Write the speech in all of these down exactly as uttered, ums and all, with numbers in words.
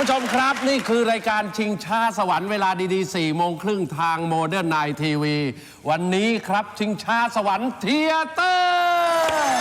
ผู้ชมครับนี่คือรายการชิงช้าสวรรค์เวลาดีๆสี่โมงครึ่งทางโมเดิร์นไนท์ทีวีวันนี้ครับชิงช้าสวรรค์เธียเตอร์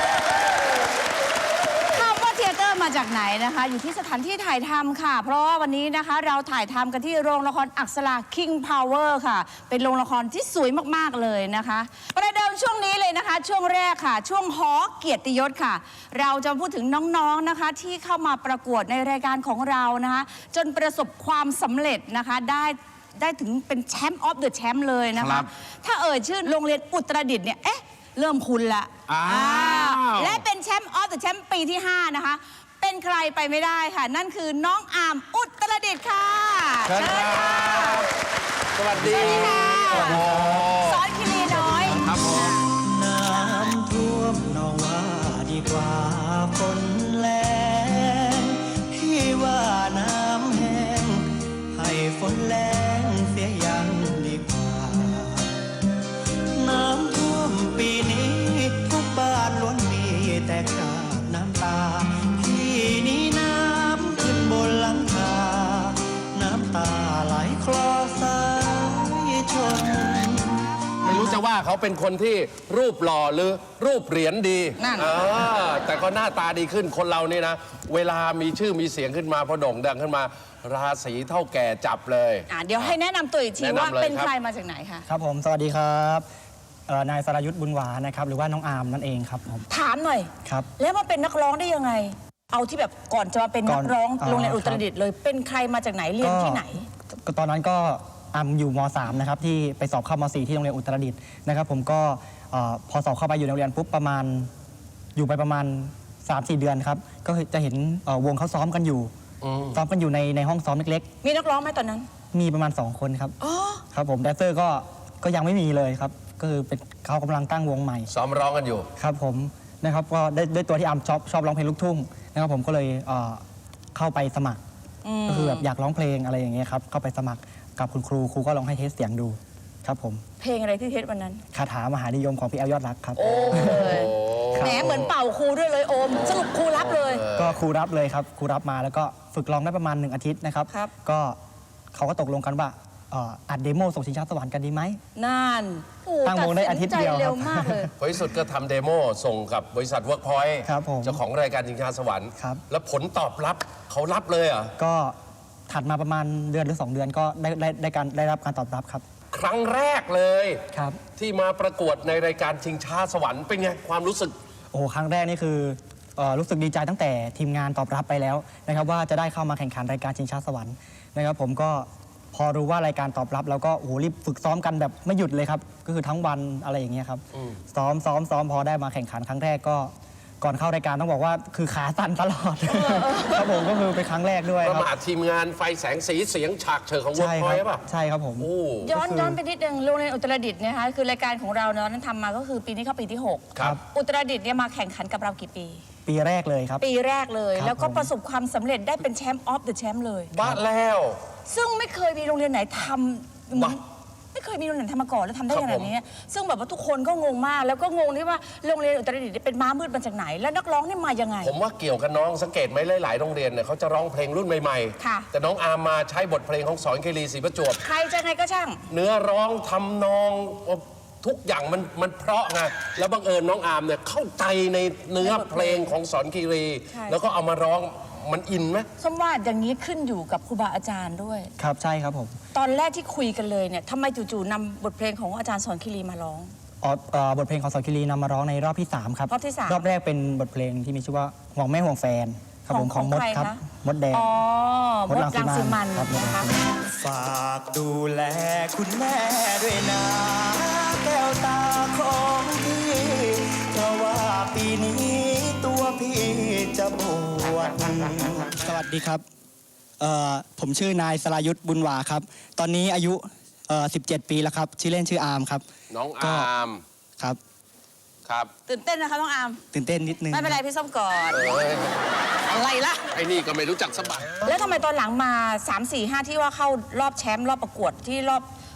คำว่าเธียเตอร์มาจากไหนนะคะอยู่ที่สถานที่ถ่ายทำค่ะเพราะว่าวันนี้นะคะเราถ่ายทำกันที่โรงละครอักษรา King Power ค่ะเป็นโรงละครที่สวยมากๆเลยนะคะประเดิมช่วงนี้เลยนะคะช่วงแรกค่ะช่วงหอเกียรติยศค่ะเราจะพูดถึงน้องๆนะคะที่เข้ามาประกวดในรายการของเรานะคะจนประสบความสำเร็จนะคะได้ได้ถึงเป็นแชมป์ออฟเดอะแชมป์เลยนะคะถ้าเอ่ยชื่อโรงเรียนอุตรดิตถ์เนี่ยเอ๊ะเริ่มคุ้นละและเป็นแชมป์ออฟเดอะแชมป์ปีที่ห้านะคะเป็นใครไปไม่ได้ค่ะนั่นคือน้องอามอุตรดิตถ์ค่ะเชิญครับสวัสดีค่ะสอนคิรีน้อยครับผมน้ำท่วมน้องว่าดีกว่าฝนแรงพี่ว่าน้ำแห้งให้ฝนแรงเสียยังดีกว่าน้ำท่วมปีนี้ทุกบ้านล้วนมีแต่คราบน้ำตาพี่นี้น้ำขึ้นบนหลังคาน้ำตาไหลคลอสายชนไม่รู้จะว่าเขาเป็นคนที่รูปหล่อหรือรูปเหรียญดีแต่ก็หน้าตาดีขึ้นคนเรานี่นะเวลามีชื่อมีเสียงขึ้นมาพอโด่งดังขึ้นมาราศีเท่าแก่จับเลยเดี๋ยวให้แนะนำตัวอีกทีว่าเป็นใครมาจากไหนคะครับผมสวัสดีครับนายสรายุทธบุญหวานะครับหรือว่าน้องอาร์มนั่นเองครับผมถามหน่อยครับแล้วมาเป็นนักร้องได้ยังไงเอาที่แบบก่อนจะมาเป็นนักร้องโรงเรียนอุตรดิตถ์เลยเป็นใครมาจากไหนเรียนที่ไหนก็ตอนนั้นก็อาร์มอยู่ม.สาม นะครับที่ไปสอบเข้าม.สี่ ที่โรงเรียนอุตรดิตถ์นะครับผมก็พอสอบเข้าไปอยู่ในโรงเรียนปุ๊บประมาณอยู่ไปประมาณ สามสี่ เดือนครับก็จะเห็นวงเขาซ้อมกันอยู่ซ้อมกันอยู่ในในห้องซ้อมเล็กๆมีนักร้องไหมตอนนั้นมีประมาณสองคนครับครับผมแดนเซอร์ก็ก็ยังไม่มีเลยครับก็คือเป็นเขากำลังตั้งวงใหม่ซ้อมร้องกันอยู่ครับผมนะครับก็ได้ด้วยตัวที่อาร์มชอบชอบร้องเพลงลูกทุ่งนะครับผมก็เลยเข้าไปสมัครก็คือแบบอยากร้องเพลงอะไรอย่างเงี้ยครับเข้าไปสมัครกับคุณครูครูก็ลองให้เทสเสียงดูครับผมเพลงอะไรที่เทสวันนั้นคาถามหานิยมของพี่แอลยอดรักครับโอ้แหมเหมือนเป่าครูด้วยเลยโอมสรุปครูรับเลยก็ครูรับเลยครับครูรับมาแล้วก็ฝึกร้องได้ประมาณหนึ่งอาทิตย์นะครับก็เขาก็ตกลงกันว่าอัดเดโมส่งชิงช้าสวรรค์กันดีไหมนั่นตั้งวงได้อาทิตย์เดียวเร็วมากเลยผลที่สุดก็ทำเดโมส่งกับบริษัทเวิร์กพอยต์เจ้าของรายการชิงช้าสวรรค์แล้วผลตอบรับเขารับเลยอ่ะก็ถัดมาประมาณเดือนหรือสองเดือนก็ได้ได้ได้การได้รับการตอบรับครับครั้งแรกเลยครับที่มาประกวดในรายการชิงช้าสวรรค์เป็นไงความรู้สึกโอ้ครั้งแรกนี่คือรู้สึกดีใจตั้งแต่ทีมงานตอบรับไปแล้วนะครับว่าจะได้เข้ามาแข่งขันรายการชิงช้าสวรรค์นะครับผมก็พอรู้ว่ารายการตอบรับแล้วก็โอ้โหรีบฝึกซ้อมกันแบบไม่หยุดเลยครับก็คือทั้งวันอะไรอย่างเงี้ยครับซ้อมซ้อมซ้อมพอได้มาแข่งขันครั้งแรกก็ก่อนเข้ารายการต้องบอกว่าคือขาสั่นตลอดครับผมก็คือเป็นครั้งแรกด้วยประมาททีมงานไฟแสงสีเสียงฉากเชิงของเวิร์กพอยต์ป่ะใช่ครับผมย้อนย้อนไปนิดนึงโรงเรียนอุตรดิตถ์เนี่ยคะคือรายการของเราเนาะนั้นทำมาก็คือปีนี้เข้าปีที่หกครับอุตรดิตถ์เนี่ยมาแข่งขันกับเรากี่ปีปีแรกเลยครับปีแรกเลยแล้วก็ประสบความสำเร็จได้เป็นแชมป์ออฟเดอะแชมป์เลยบ้าแล้วซึ่งไม่เคยมีโรงเรียนไหนทำไม่เคยมีโรงเรียนทำมาก่อนแล้วทำได้ขนาดนี้ซึ่งแบบว่าทุกคนก็งงมากแล้วก็งงที่ว่าโรงเรียนอุตรดิตถ์เป็นม้ามืดมาจากไหนแล้วนักร้องนี่มายังไงผมว่าเกี่ยวกับน้องสังเกตไหมหลายๆโรงเรียนเนี่ยเขาจะร้องเพลงรุ่นใหม่ๆแต่น้องอาร์มมาใช้บทเพลงของสอนคีรีศรีประจวบใครจะไงก็ช่างเนื้อร้องทำนองทุกอย่างมันมันเพราะไงแล้วบังเอิญน้องอาร์มเนี่ยเข้าใจในเนื้อเพลงของสอนคีรีแล้วก็เอามาร้องมันอินไหมส้มว่าอย่างนี้ขึ้นอยู่กับครูบาอาจารย์ด้วยครับใช่ครับผมตอนแรกที่คุยกันเลยเนี่ยทำไมจู่ๆนำบทเพลงของอาจารย์สอนคีรีมาร้องอ๋อบทเพลงของสอนคีรีนำมาร้องในรอบที่สามครับรอบที่สามรอบแรกเป็นบทเพลงที่มีชื่อว่าห่วงแม่ห่วงแฟนครับผมของมดครับมดแดงอ๋อมดรังสีมันนะคะฝากดูแลคุณแม่ด้วยนะแก้วตาของพี่เพราะว่าปีนี้ตัวพี่จะบวชสวัสดีครับผมชื่อนายสรายุทธบุญหวาครับตอนนี้อายุสิบเจ็ดปีแล้วครับชื่อเล่นชื่ออาร์มครับน้องอาร์มครับครับตื่นเต้นนะคะน้องอาร์มตื่นเต้นนิดนึงไม่เป็นไรพี่ส้มก่อนอะไรล่ะไอ้นี่ก็ไม่รู้จักสบายแล้วทำไมตอนหลังมาสาม สี่ ห้าที่ว่าเข้ารอบแชมป์รอบประกวดที่รอบ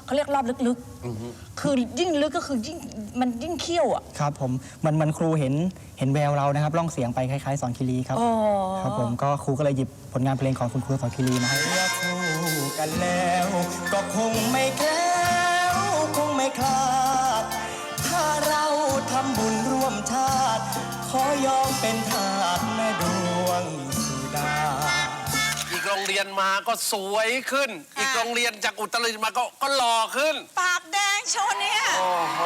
เขาเรียกรอบลึกๆคือยิ่งลึกก็คือยิ่งมันยิ่งเขี้ยวอ่ะครับผมมันมันครูเห็นเห็นแววเรานะครับร้องเสียงไปคล้ายๆสอนคีรีครับอ๋อครับผมก็ครูก็เลยหยิบผลงานเพลงของคุณครูสอนคีรีมาให้เมื่อคู่กันแล้ว ก็คงไม่แคล้วคงไม่คลาด ถ้าเราทำบุญร่วมชาติ ขอยอมเป็นทาสแม่ดวงสุดาอีกโรงเรียนมาก็สวยขึ้น อีกโรงเรียนจากอุตรดิตถ์มาก็ก็หล่อขึ้นปากแดงโชว์เนี่ยโอ้โห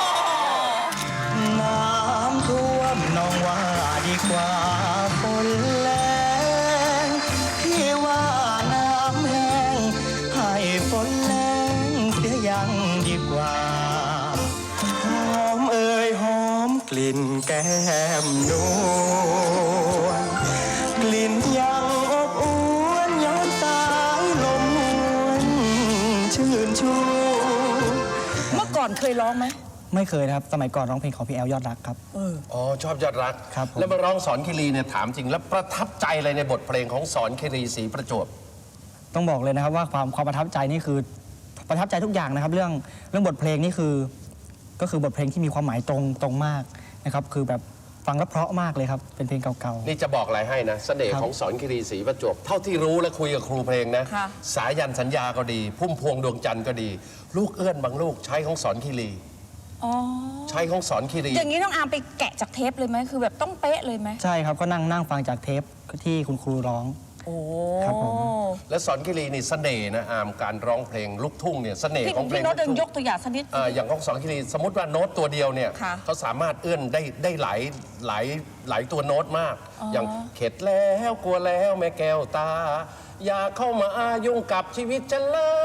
น้ำท่วมน้องว่าดีกว่าฝนแรงพี่ว่าน้ำแห้งให้ฝนแรงเสียยังดีกว่าหอมเอ่ยหอมกลิ่นแก้มนวลกลิ่นยังอบอวนย้อนสายลมหวนชื่นชูเมื่อก่อนเคยร้องไหมไม่เคยนะครับ สมัยก่อนร้องเพลงของพี่แอลยอดรักครับอ๋อ ชอบยอดรักครับผมแล้วมาร้องสอนคีรีเนี่ยถามจริง แล้วประทับใจอะไรในบทเพลงของสอนคีรีศรีประจวบต้องบอกเลยนะครับว่าความความประทับใจนี่คือประทับใจทุกอย่างนะครับ เรื่องเรื่องบทเพลงนี่คือ ก็คือบทเพลงที่มีความหมายตรงตรงมากนะครับ คือแบบฟังแล้วเพราะมากเลยครับ เป็นเพลงเก่านี่จะบอกอะไรให้นะเสน่ห์ครับของสอนคีรีศรีประจวบ เท่าที่รู้และคุยกับครูเพลงนะค่ะสายันสัญญาก็ดี พุ่มพวงดวงจันทร์ก็ดี ลูกเอื้อนบางลูกใช้ของสอนคีรีอ๋อใช้ของสอนคีรีอย่างนี้น้องอาร์มไปแกะจากเทปเลยไหมคือแบบต้องเป๊ะเลยไหมๆ ใช่ครับก็นั่งนั่งฟังจากเทปที่คุณครูร้องโอ้ครับผมและสอนคีรีนี่เสน่ห์นะอามการร้องเพลงลูกทุ่งเนี่ยเสน่ห์พี่ของเพลพี่งโน้ลูตกเดินทุ่งยกตัวอย่างสักนิดอ่าอย่างของสอนคีรีสมมติว่าโน้ตตัวเดียวเนี่ยค่ะเขาสามารถเอื้อนได้ได้หลายหลายหลายตัวโน้ตมาก อย่างเข็ดแล้วกลัวแล้วแม่แก้วตา อย่าเข้ามายุ่งกับชีวิตฉัน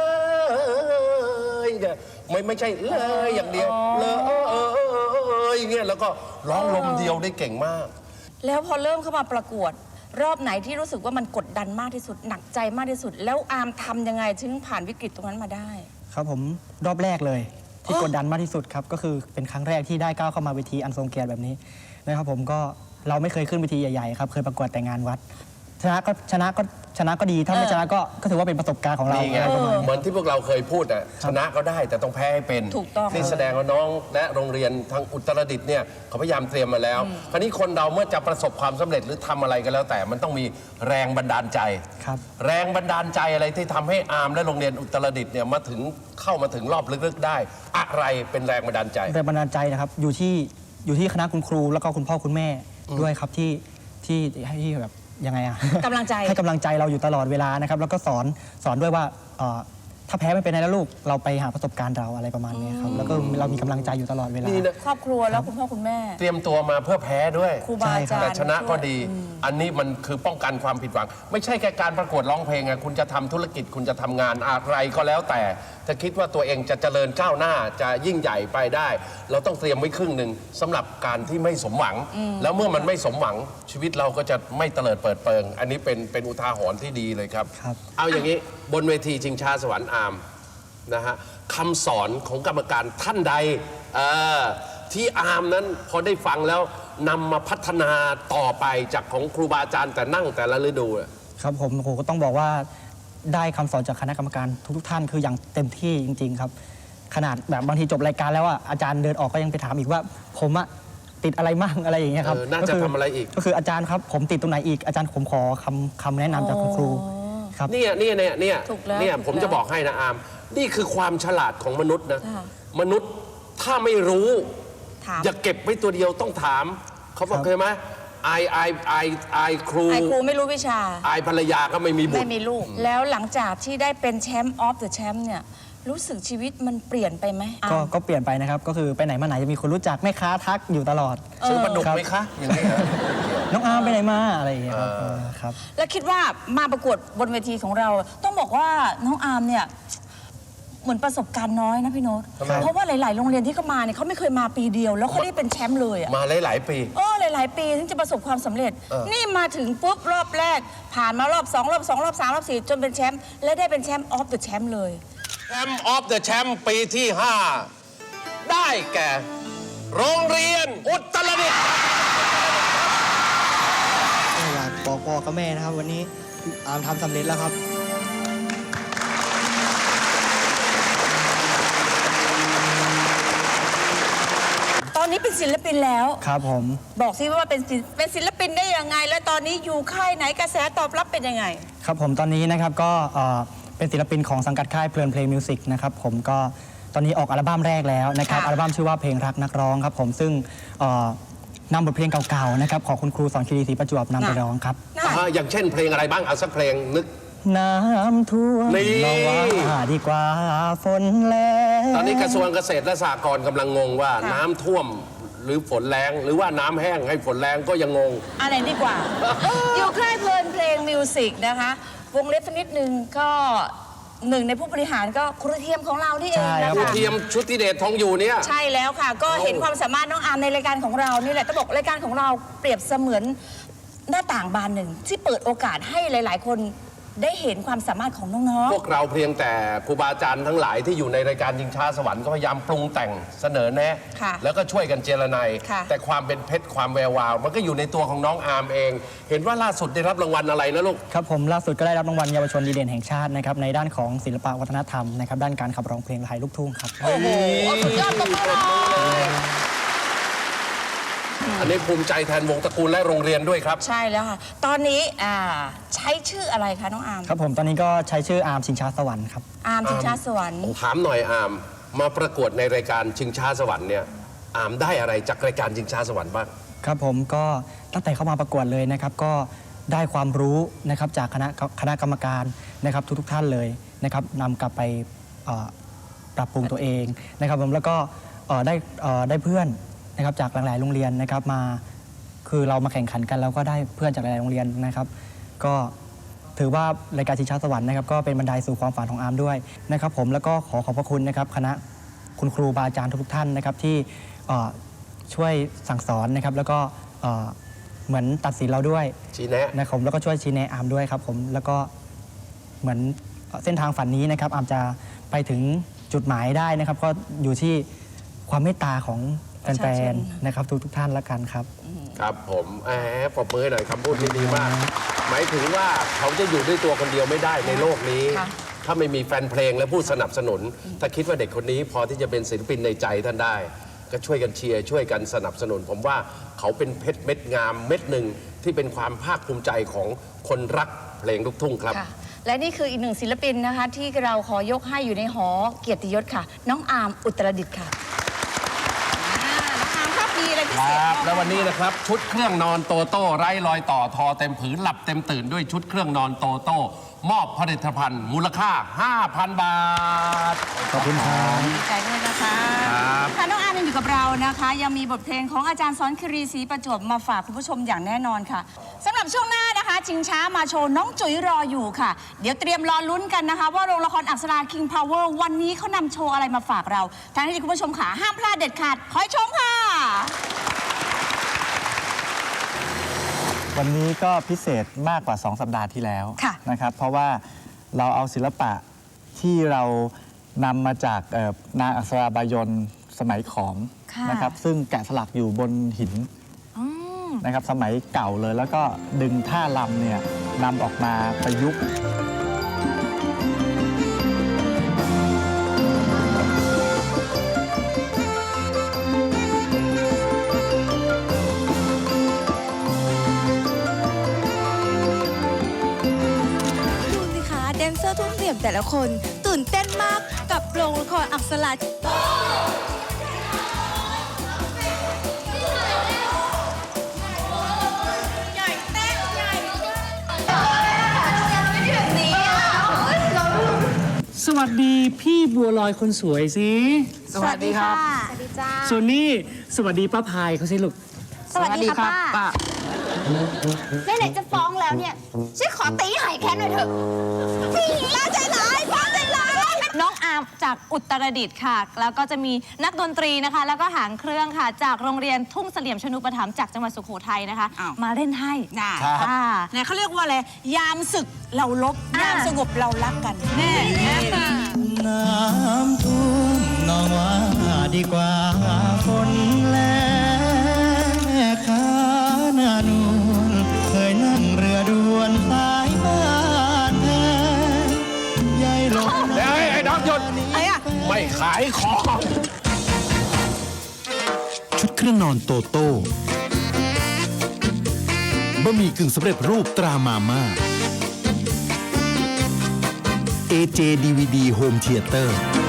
เลยเนี่ยไม่ไม่ใช่เลยอย่างเดียวเลยอย่างเงี้ยแล้วก็ร้องลมเดียวได้เก่งมากแล้วพอเริ่มเข้ามาประกวด รอบไหนที่รู้สึกว่ามันกดดันมากที่สุดหนักใจมากที่สุด แล้วอาร์มทำยังไงถึงผ่านวิกฤตตรงนั้นมาได้ครับผมรอบแรกเลยที่กดดันมากที่สุดครับก็คือเป็นครั้งแรกที่ได้ก้าวเข้ามาเวทีอันทรงเกียรติแบบนี้นะครับผมก็เราไม่เคยขึ้นเวทีใหญ่ๆครับเคยประกวดแต่งานวัด ชนะก็ชนะก็ชนะก็ดีถ้าไม่ชนะก็ก็ถือว่าเป็นประสบการณ์ของเรานี่ไงอะไรประมาณนี้เหมือนที่พวกเราเคยพูดอ่ะชนะก็ได้แต่ต้องแพ้ให้เป็นถูกต้องนี่แสดงว่าน้องและโรงเรียนทางอุตรดิตถ์เนี่ยเขาพยายามเตรียมมาแล้ว คราวนี้คนเราเมื่อจะประสบความสำเร็จหรือทำอะไรก็แล้ว แต่มันต้องมีแรงบันดาลใจครับแรงบันดาลใจอะไรที่ทำให้อาร์มและโรงเรียนอุตรดิตถ์เนี่ยมาถึงเข้ามาถึงรอบลึกๆได้ อะไรเป็นแรงบันดาลใจแรงบันดาลใจนะครับอยู่ที่อยู่ที่คณะคุณครูแล้วก็คุณพ่อคุณแม่ด้วยครับที่ที่ให้ที่แบบยังไงอะกำลังใจให้กำลังใจเราอยู่ตลอดเวลานะครับแล้วก็สอนสอนด้วยว่าเอ่อถ้าแพ้ไม่เป็นไรนะลูกเราไปหาประสบการณ์เราอะไรประมาณนี้ครับแล้วก็เรามีกำลังใจอยู่ตลอดเวลานี่นะครอบครัวแล้วคุณพ่อคุณแม่เตรียมตัวมาเพื่อแพ้ด้วยครูบาอาจารย์แต่ชนะก็ดีอืมอันนี้มันคือป้องกันความผิดหวัง ไม่ใช่แค่การประกวดร้องเพลงอะคุณจะทำธุรกิจคุณจะทำงานอะไรก็แล้วแต่ถ้าคิดว่าตัวเองจะเจริญก้าวหน้าจะยิ่งใหญ่ไปได้ เราต้องเตรียมไว้ครึ่งหนึ่งสำหรับการที่ไม่สมหวัง แล้วเมื่อมันไม่สมหวังชีวิตเราก็จะไม่เตลิดเปิดเปิง อันนี้เป็นเป็นอุทาหรณ์ที่ดีเลยครับครับเอาอย่างนี้บนเวทีชิงช้าสวรรค์อาร์มนะฮะคำสอนของกรรมการท่านใดเอ่อที่อาร์มนั้นพอได้ฟังแล้วนำมาพัฒนาต่อไปจากของครูบาอาจารย์แต่นั่งแต่ละฤดูอะครับผมโอ้โหก็ต้องบอกว่าได้คำสอนจากคณะกรรมการทุกๆท่านคืออย่างเต็มที่จริง ๆ ครับ ขนาดแบบบางทีจบรายการแล้วอ่ะอาจารย์เดินออกก็ยังไปถามอีกว่า ผมอะติดอะไรมั่งอะไรอย่างเงี้ยครับเออน่าจะคืทำอะไรอีกก็คืออาจารย์ครับผมติดตรงไหนอีกอาจารย์ผมขอคำคำแนะนำจากคุณครูครับเนี่ยเนี่ยเนี่ยเนี่ยถูกแล้วเนี่ยถูกผมจะแล้วบอกให้นะอาร์มนี่คือความฉลาดของมนุษย์นะค่ะมนุษย์ถ้าไม่รู้ถามอย่าเก็บไว้ตัวเดียวต้องถาม เขาบอกครับเคยไหมไอไอไอไอครูไอ้ครูไม่รู้วิชาไอภรรยาก็ไม่มีบุไม่ตรมีลูก แล้วหลังจากที่ได้เป็นแชมป์ออฟเดอะแชมป์เนี่ย รู้สึกชีวิตมันเปลี่ยนไปไหมก็ก็เปลี่ยนไปนะครับ ก็คือไปไหนมาไหนจะมีคนรู้จักแม่ค้าทักอยู่ตลอดซื้อปลาดุกครับไหมคะ อย่างนี้เหรอน้องอาร์มไปไหนมาอะไรอย่างเงี้ยครับเออครับแล้วคิดว่ามาประกวดบนเวทีของเรา ต้องบอกว่าน้องอาร์มเนี่ยเหมือนประสบการณ์น้อยนะพี่โน้ตทำไมเพราะว่าหลาย ๆ โรงเรียนที่เขามาเนี่ยเขาไม่เคยมาปีเดียว แล้วเขาได้เป็นแชมป์เลยอะมาหลายๆปีเออหลาย ๆ ปีถึงจะประสบความสำเร็จเออนี่มาถึงปุ๊บรอบแรก ผ่านมารอบสองรอบสองรอบสามรอบสี่จนเป็นแชมป์และได้เป็นแชมป์ออฟเดอะแชมป์เลยแชมป์ออฟเดอะแชมป์ปีที่ ห้า ได้แก่ โรงเรียนอุตรดิตถ์อยากบอกพ่อกับแม่นะครับ วันนี้อาร์มทำสำเร็จแล้วครับนี้เป็นศิลปินแล้วครับผมบอกสิว่าเป็นศิลเป็นศิลปินได้ยังไง แล้วตอนนี้อยู่ค่ายไหนกระแสตอบรับเป็นยังไงครับผมตอนนี้นะครับก็เอ่อเป็นศิลปินของสังกัดค่ายเพลินเพลงมิวสิกนะครับผมก็ตอนนี้ออกอัลบั้มแรกแล้วนะครับค่ะอัลบั้มชื่อว่าเพลงรักนักร้องครับผมซึ่งเอ่อนำบทเพลงเก่าๆนะครับของคุณครูสอนคีรีศรีประจวบนำไปร้องครับน่าอ่าอย่างเช่นเพลงอะไรบ้างเอาสักเพลงนึกน้ำท่วมนี่เราว่าดีกว่าฝนแล้งตอนนี้กระทรวงเกษตรและสหกรณ์กำลังงงว่าค่ะน้ำท่วมหรือฝนแรงหรือว่าน้ำแห้งให้ฝนแรงก็ยังงงอะไรดีกว่า อยู่ค่ายเพลินเพลงมิวสิกนะคะ วงเล็บสักนิดนึงก็หนึ่งในผู้บริหารก็ครูเทียมของเรานี่เองนะครูคะเทียมชุติเดชทองอยู่เนี่ยใช่แล้วค่ะ ก็เห็นความสามารถน้องอาร์มในรายการของเรานี่แหละต้องบอกรายการของเราเปรียบเสมือนหน้าต่างบานหนึ่ง ที่เปิดโอกาสให้หลาย ๆ คนได้เห็นความสามารถของน้องพวกเราเพียงแต่ครูบาอาจารย์ทั้งหลายที่อยู่ในรายการยิงช้าสวรรค์ก็พยายามปรุงแต่งเสนอแนะค่ะแล้วก็ช่วยกันเจรไนายค่ะแต่ความเป็นเพชรความแวววาว มันก็อยู่ในตัวของน้องอาร์มเอง เห็นว่าล่าสุดได้รับรางวัลอะไรนะลูกครับผมล่าสุดก็ได้รับรางวัลเยาวชนดีเด่นแห่งชาตินะครับในด้านของศิลปะวัฒนธรรมนะครับด้านการขับร้องเพลงไทยลูกทุ่งครับๆ โอ้โหสุดยอดตบมือเลยอันนี้ภูมิใจแทนวงตระกูลและโรงเรียนด้วยครับใช่แล้วค่ะ ตอนนี้อ่าใช้ชื่ออะไรคะน้องอาร์มครับผมตอนนี้ก็ใช้ชื่ออาร์มชิงช้าสวรรค์ครับอาร์มชิงช้าสวรรค์ถามหน่อยอาร์มมาประกวดในรายการชิงช้าสวรรค์เนี่ยอาร์มได้อะไรจากรายการชิงช้าสวรรค์บ้างครับผมก็ตั้งแต่เข้ามาประกวดเลยนะครับก็ได้ความรู้นะครับจากคณะคณะกรรมการนะครับทุกๆท่านเลยนะครับนำกลับไปเอ่อปรับปรุงตัวเองนะครับผมแล้วก็เอ่อได้เอ่อได้เพื่อนนะครับจากหลายๆโรงเรียนนะครับมาคือเรามาแข่งขันกันแล้วก็ได้เพื่อนจากหลายๆโรงเรียนนะครับ ก็ถือว่ารายการชิงช้าสวรรค์นะครับก็เป็นบันไดสู่ความฝันของอาร์มด้วยนะครับผมแล้วก็ขอขอบพระคุณนะครับคณะคุณครูบาอาจารย์ทุกๆท่านนะครับที่เอ่อช่วยสั่งสอนนะครับแล้วก็เอ่อเหมือนตัดสินเราด้วยชี้แนะนะครับผมแล้วก็ช่วยชี้แนะอาร์มด้วยครับผมแล้วก็เหมือนเส้นทางฝันนี้นะครับอาร์มจะไปถึงจุดหมายได้นะครับ ก็อยู่ที่ความเมตตาของแฟนๆนะครับทุกๆท่านละกันครับครับผมแหมปรบมือให้หน่อยคำพูดนี้ดีมาก หมายถึงว่าเขาจะอยู่ด้วยตัวคนเดียวไม่ได้ในโลกนี้ค่ะถ้าไม่มีแฟนเพลงและผู้สนับสนุน ถ้าคิดว่าเด็กคนนี้พอที่จะเป็นศิลปินในใจท่านได้ ก็ช่วยกันเชียร์ช่วยกันสนับสนุน ผมว่าเขาเป็นเพชรเม็ดงามเม็ดหนึ่งที่เป็นความภาคภูมิใจของคนรักเพลงลูกทุ่งครับค่ะ และนี่คืออีกหนึ่งศิลปินนะคะ ที่เราขอยกให้อยู่ในหอเกียรติยศค่ะ น้องอาร์มอุตรดิตถ์ค่ะอ่าน้องอาร์มครับมีอะไรพิคเศษรับบ้างแล้ววันนี้นะครับ ชุดเครื่องนอนโตโต้ไร้รอยต่อทอเต็มผืนหลับเต็มตื่นด้วยชุดเครื่องนอนโตโต้มอบผลิตภัณฑ์มูลค่า ห้าพัน บาทขอบคุณครับดีใจด้วยนะคะครับค่ะน้องอาร์มยังอยู่กับเรานะคะ ยังมีบทเพลงของอาจารย์สอนคีรีศรีประจวบมาฝากคุณผู้ชมอย่างแน่นอนค่ะสำหรับช่วงหน้านะคะชิงช้ามาโชว์น้องจุ๋ยรออยู่ค่ะ เดี๋ยวเตรียมรอลุ้นกันนะคะ ว่าโรงละครอักษรา King Power วันนี้เขานำโชว์อะไรมาฝากเราทางที่คุณผู้ชมขาห้ามพลาดเด็ดขาดคอยชมค่ะวันนี้ก็พิเศษมากกว่า สอง สัปดาห์ที่แล้วค่ะนะครับ เพราะว่าเราเอาศิลปะที่เรานำมาจากเอ่อนางอักษราบายนสมัยขอมค่ะนะครับ ซึ่งแกะสลักอยู่บนหินอืมนะครับ สมัยเก่าเลย แล้วก็ดึงท่าลำเนี่ยนำออกมาประยุกต์ดูสิคะแดนเซอร์ทุ่มเสียมแต่ละคนตื่นเต้นมากกับโรงละครอักษราใหญ่เต้นใหญ่แบบนี้อ่ะสวัสดีพี่บัวลอยคนสวยสิสวัสดีค่ะ สวัสดีจ้าส่วนนี้สวัสดีป้าพายเขาสิลูกสวัสดีค่ะป้าไหนๆจะฟ้องแล้วเนี่ยช่วยขอตีหายแค้นหน่อยเถอะพี่ป้าใจร้ายป้าใจร้ายน้องอาร์มจากอุตรดิตถ์ค่ะ แล้วก็จะมีนักดนตรีนะคะ แล้วก็หางเครื่องค่ะ จากโรงเรียนทุ่งเสลี่ยมชนุปถัมภ์จากจังหวัดสุโขทัยนะคะอ้าวมาเล่นให้น่าค่ะเนี่ยเขาเรียกว่าอะไร ยามศึกเราลบอ่ายยามสงบเรารักกันแน่น้ำท่วมนองว่าดีกว่าฝนแล้งแม่ค้าหน้านวลเคยนั่งเรือด่วนสายบ้านแพงยายหลงเดี๋ยวไอ้ดอกหยุดอะไรอ่ะไม่ขายของชชุดเครื่องนอนโตโต้บะหมี่กึ่งสำเร็จรูปตรามาม่า เอ เจ ดี วี ดี Home Theater